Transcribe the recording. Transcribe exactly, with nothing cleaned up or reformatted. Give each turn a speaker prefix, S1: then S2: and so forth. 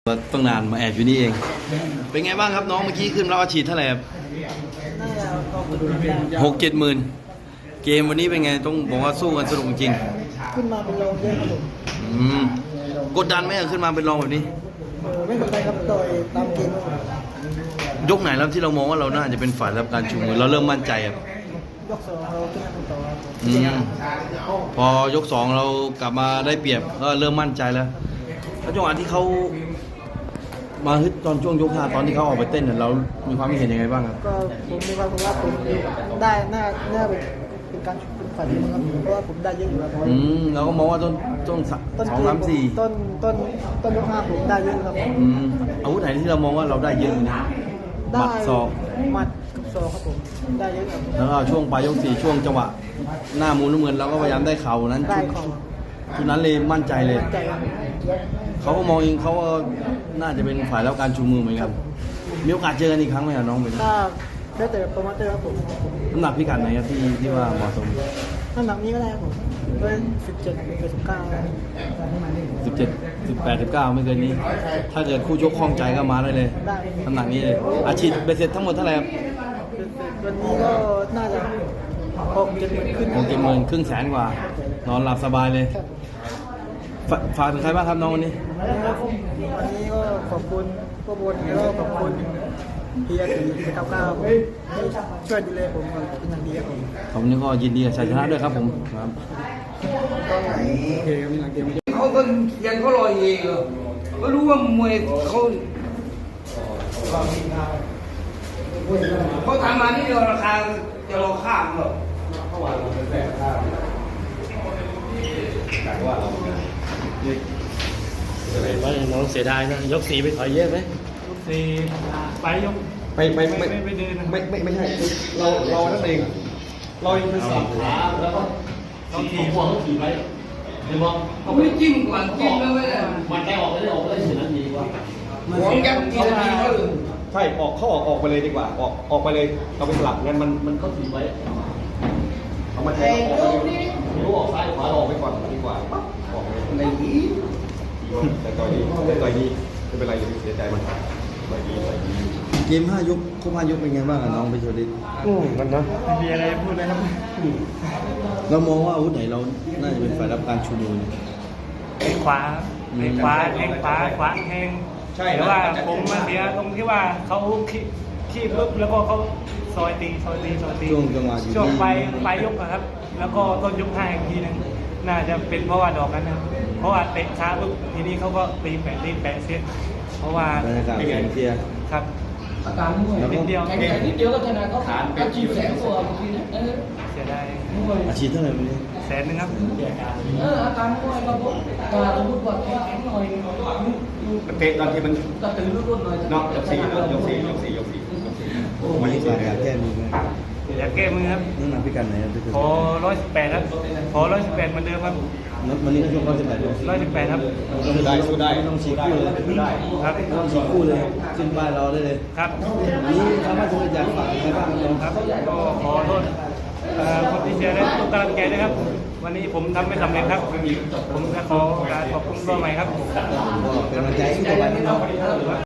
S1: ต้องนานมาแอบอยู่นี่เอง เป็นไงบ้างครับน้องเมื่อกี้ขึ้นแล้วอาชีพเท่าไหร่ครับหกเจ็ดหมื่นเกมวันนี้เป็นไงต้องบอกว่าสู้กันสนุกจริง
S2: ขึ้นมาเป็นรองเยอะครับผม
S1: อืมกดดันไหมอะขึ้นมาเป็นรองแบบนี้
S2: เออไม่เป็นไรครับต่อยตามเกมครับผม
S1: ยกไหนแล้วที่เรามองว่าเราน่าจะเป็นฝ่ายรับการชูมือเราเริ่มมั่นใจครับ
S2: ยกสองเราขึ้นมาเป็นต่อครับผม
S1: อืมพอยกสองเรากลับมาได้เปรียบก็เริ่มมั่นใจแล้วแล้วจังหวะที่เขามาฮึดตอนช่วงยกห้าตอนที่เขาออกไปเต้นเนี่ยเรามีความเห็นยังไงบ้างครับ
S2: ก็ผมมีความรู้ว่าผมได้หน้าหน้าเป็นเป็นการเป็นฝ่ายทีมครับเพราะว่าผมได้เยอะอยู่แล้ว
S1: อืมเราก็มองว่าต้นต้นส
S2: ต้น
S1: องสามสี่
S2: ต้นต้นต้นยกห้าผมได้เยอะครับผม
S1: อืมอาวุธไหนที่เรามองว่าเราได้เยอะนะห
S2: ได้
S1: มัดศอก
S2: หมัดกับศอกครับผมได้เยอะครับ
S1: แล้วก็ช่วงปลายยกสี่ช่วงจังหวะหน้ามูลน้ำเงินเราก็พยายามได้เข่านั้น
S2: ได้
S1: ชุด
S2: ของ
S1: ชุดนั้นเลยมั่นใจเลย
S2: ใจครับ
S1: เขาก็มองเองเขาก็น่าจะเป็นฝ่ายรับการชูมือเหมือนกันมีโอกาสเจอกันอีกครั้งไหมครับน้องเป็น
S2: ถ้าได้แต่โปรโมเตอร์ครับผม
S1: น้ำหนักพิกัดไหนครับที่ที่ว่าเหมาะสม
S2: น้ำหนักนี้ก็ได้ครับผมเป็นสิบเจ็ดเป็นสิบเก้า
S1: สิบเจ็ด สิบแปด สิบเก้าไม่เกินนี้ ถ้าเกิดคู่ชกคล่องใจก็มาได้เลย
S2: ได้
S1: น้ำหนักนี้เลยอาชีพเบสเสร็จทั้งหมดเท่าไหร่ครับ
S2: วันนี้ก็น่าจะหกเจ็ดหมื่นขึ้น
S1: หกเจ็ดหมื่นครึ่งแสนกว่า นอนหลับสบายเลย
S2: ครับ
S1: ฝฝากถึงใครบ้างครับน้องวันนี้
S2: วันนี้ก็ขอบคุณพวกบนแล้วก็ขอบคุณเฮียตีที่เก้าเก้าที่ช่วยดูแลผมเป็นอย่างดีครับผม
S1: ผมนี่ก็ยินดีกับชัยชนะด้วยครับผมครับ
S2: ก็โอเคครับมีหลังเกม
S3: เขาก็ยังเขาลอยเองเหรอก็รู้ว่ามวยเขาเขาทำมานี่เดียวราคาจะรอข้ามหรอก
S4: ว่าน้องเสียดายนะยกสีไปถอยเยอะไหม
S5: สี่ไปยก
S4: ไปไปไม่
S5: ไม่ไม่เดินนะ
S4: ไม่ไม่ไม่ใช่เราเรานั่นเองเราเองคือสับขาแล้วก็เราทีหัวเขาถีบไปเห็นบอก
S3: เขาไม่จิ้มก่อนจิ้มแล้วไม่ได้
S4: มันไปออกไม่ได้ออกไม่ได้สินั้นดีกว่า
S3: หัวยับทีละทีเขาเลย
S4: ใช่ออกเขาออกออกไปเลยดีกว่าออกออกไปเลยเราไปสลับงั้นมันมันเขาถีบไว้เอามาแทงออกรู้ออกซ้ายขวาออกไปก่อนดีกว่าปั๊บออกเลย
S3: ในนี้
S4: แต่ต่อยดีแต่ต่อยดีไม่เป็นไรอย่าไปเสียใจมันต่อยดีต่อยดี
S1: เกมห้ายกครบห้ายกเป็นไงบ้างอะน้องไปโชดิต
S4: อืมมันนะ
S5: ไม่มีอะไรพูดเลยครับ
S1: เรามองว่าอาวุธไหนเราน่าจะเป็นฝ่ายรับการชูมือเนี่ย
S5: เตะขวาเตะขวาแทงขวาขวาแทงแต่ว่าผมมาเสียตรงที่ว่าเขาขี้ขี้ปุ๊บแล้วก็เขาซอยตีซอยตีซอยตี
S1: ช่วงจังหวะอยู่
S5: ช่วง
S1: ที่
S5: ปลายปลายยกอะครับ แล้วก็ต้นยกห้าอีกทีหนึงน่าจะเป็นเพราะว่าดอกนั้นนะเพราะว่าเตะช้าปุ๊บทีนี้เขาก็ตีแปะตีแปะเสียเพราะว่า
S1: บรรยากาศแข่งเชียร์
S5: ครับ
S3: อาการมวย
S5: นิดเดียว
S3: แข่งแข่งนิดเดียวก็ชนะเขาขาดก็จิ้มแสงตัวเมื่อกี้นะเออ
S5: เสียดาย
S1: อาชีพเท่าไหร่วันนี้
S5: แสนหนึงครับ
S3: เอออาการมวยเราบอกตาสมมติว่าแข็งแข็งหน่อย
S4: มันเตะตอนที่มัน
S3: ก็ตื่นรุ่นๆหน่อย
S4: นอกยกสี่ยกสี่ยกสี่ยกสี่ยกสี่
S1: วันนี้ฝากอยากแก้มือไหม
S5: อยากแก้มือครับ
S1: น้ำหนักพิกัดไหนครับพี่
S5: ขอร้อยสิบแปดครับขอร้อยสิบแปดเหมือนเดิมครับ
S1: วันนี้ก็ช่วงร้อยสิบแปดเลย
S5: ร้อยสิบแปดครับ
S4: สู้ได้สู้ได้
S1: ไม่ต้องฉีกคู่เลย
S4: สู้ได้
S5: ครับ
S1: ไม่ต้องฉีกคู่เลยขึ้นป้ายเราได้เลย
S5: ครับ
S1: วันนี้คำว่าจะอยากฝากใครบ้างน้อง
S5: ครับก็ขอโทษเอ่อคนที่เชียร์และทุกกำลังใจด้วยครับ วันนี้ผมทำไม่สำเร็จครับ ผมจะขอการขอบคุณตัวใหม่ครับ
S1: ก็เป็นกำลังใจให้ต่อไปนะน้อง